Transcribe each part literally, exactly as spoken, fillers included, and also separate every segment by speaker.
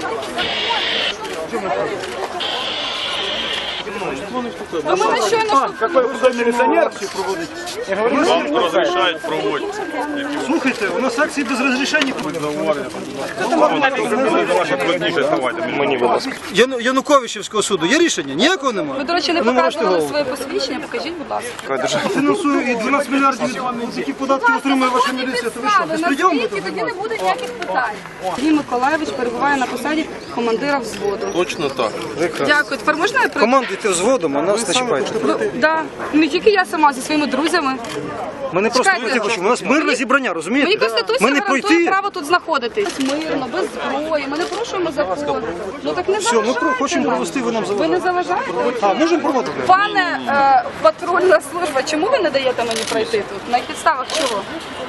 Speaker 1: А мы щойно...
Speaker 2: Какой худой милиционер?
Speaker 3: Вам разрешают проводить.
Speaker 2: Слухайте, у нас акції без розрішення. Яну- Януковичівського суду є рішення? Ніякого немає?
Speaker 1: Ви, до речі, не
Speaker 2: Ну, можете
Speaker 1: показували
Speaker 2: голову.
Speaker 1: своє посвідчення, покажіть, будь ласка.
Speaker 2: Фінансую і дванадцять мільярдів, які податки отримує ваша міліція. То ви що, безпреділом будете
Speaker 1: тоді не
Speaker 2: займатися?
Speaker 1: буде ніяких питань. Сергій Миколаївич перебуває на посаді командира взводу.
Speaker 3: Точно так.
Speaker 1: Дякую. Тепер можна я про...
Speaker 2: Командуйте взводом, а нас не чіпайте.
Speaker 1: Ви- Да. Не тільки я сама, зі своїми друзями.
Speaker 2: Ми не просто
Speaker 1: Чекайте.
Speaker 2: пройти хочемо, у нас мирне зібрання, розумієте?
Speaker 1: Мені Конституція
Speaker 2: Ми не
Speaker 1: гарантує
Speaker 2: пройти.
Speaker 1: право тут знаходитись. Мирно, без зброї. Ми не порушуємо закон. Ну так не
Speaker 2: Все, ми
Speaker 1: заважайте
Speaker 2: про- хочемо
Speaker 1: нам.
Speaker 2: провести, ви нам
Speaker 1: Ви не
Speaker 2: заважаєте.
Speaker 1: заважаєте?
Speaker 2: А, можемо проводити?
Speaker 1: Пане е, патрульна служба, чому ви не даєте мені пройти тут? На підставах чого?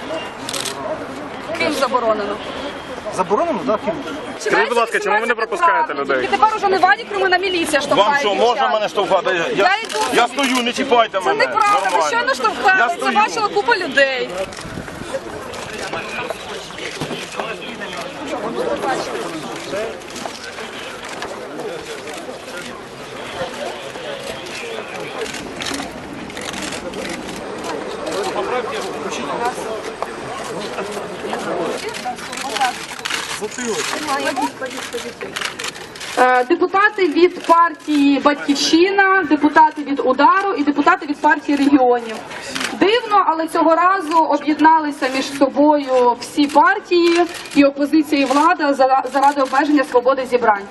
Speaker 1: Ким заборонено?
Speaker 2: Заборонено, так?
Speaker 1: Скажіть,
Speaker 3: будь ласка, чому ви не пропускаєте людей?
Speaker 1: Тільки тепер уже не Вадік Кримина міліція штовхає
Speaker 3: Вам що,
Speaker 1: дівчат.
Speaker 3: можна мене штовхати? Я,
Speaker 1: Я йду.
Speaker 3: я стою, не чіпайте
Speaker 1: Це
Speaker 3: мене.
Speaker 1: неправда, ви
Speaker 3: Нормально.
Speaker 1: щойно
Speaker 3: Я
Speaker 1: штовхали. Це
Speaker 3: стою.
Speaker 1: бачила купа людей. Е, Депутати від партії «Батьківщина», депутати від «Удару» і депутати від партії «Регіонів». Дивно, але цього разу об'єдналися між собою всі партії і опозиція, і влада за- заради обмеження свободи зібрань.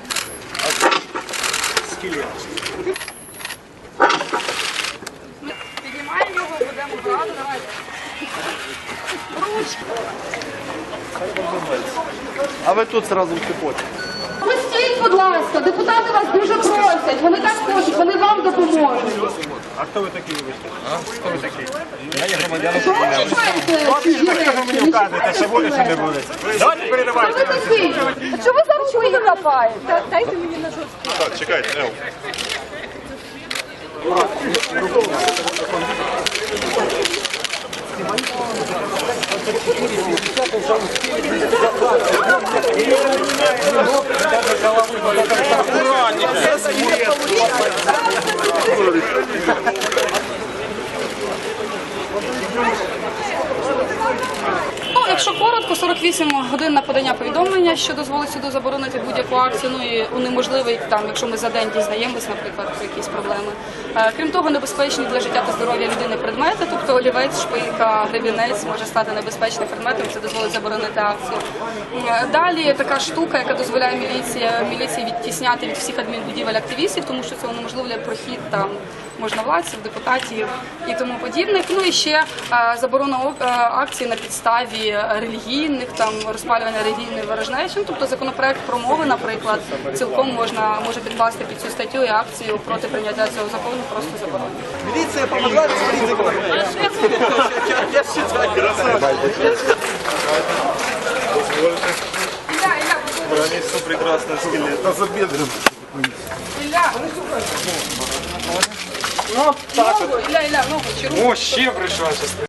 Speaker 1: Ми піднімаємо його, будемо брати, давайте. Ручки.
Speaker 3: А ви тут зразу втипоте.
Speaker 1: Пустіть, будь ласка, депутати вас дуже просять, вони так хочуть, вони вам допоможуть.
Speaker 3: А хто ви такі, вибачте? А? Хто ви такі? Я є громадянин.
Speaker 1: Що ви чіпаєте чужі речі? Не чіпайте,
Speaker 3: Що буде, що не буде? Давайте
Speaker 1: Хто
Speaker 3: передавайте.
Speaker 1: ви такий? А чого ви зараз чого хапаєте? Дайте мені на жорстку.
Speaker 3: Так, чекайте, Ев.
Speaker 1: Ну, якщо коротко, сорок вісім годин на подання повідомлення, що дозволить суду заборонити будь-яку акцію, ну і унеможливить, там, якщо ми за день дізнаємось, наприклад, про якісь проблеми. Е, Крім того, небезпечні для життя та здоров'я людини предмети, тобто олівець, шпилька, гребінець може стати небезпечним предметом, це дозволить заборонити акцію. Е, Далі така штука, яка дозволяє міліції, міліції відтісняти від всіх адмінбудівель активістів, тому що це унеможливлює прохід там можновладців, депутатів і тому подібних. Ну і ще е, заборона ок- е, акцій на підставі релігійних, там розпалювання релігійної ворожнечі. Ну, тобто законопроект про мови, наприклад, цілком можна може підкласти під цю статтю, і акцію проти прийняття цього закону просто заборонити.
Speaker 2: Міліція помогла, сваліть законом. Я считаю,
Speaker 1: Ілля, Ілля,
Speaker 3: Граница прекрасный скелет. Да за бедром.
Speaker 1: Ілля,
Speaker 3: Ну, так.
Speaker 1: ногу, Ілля, Ілля, ногу, чи руку?
Speaker 3: О, ще прийшла.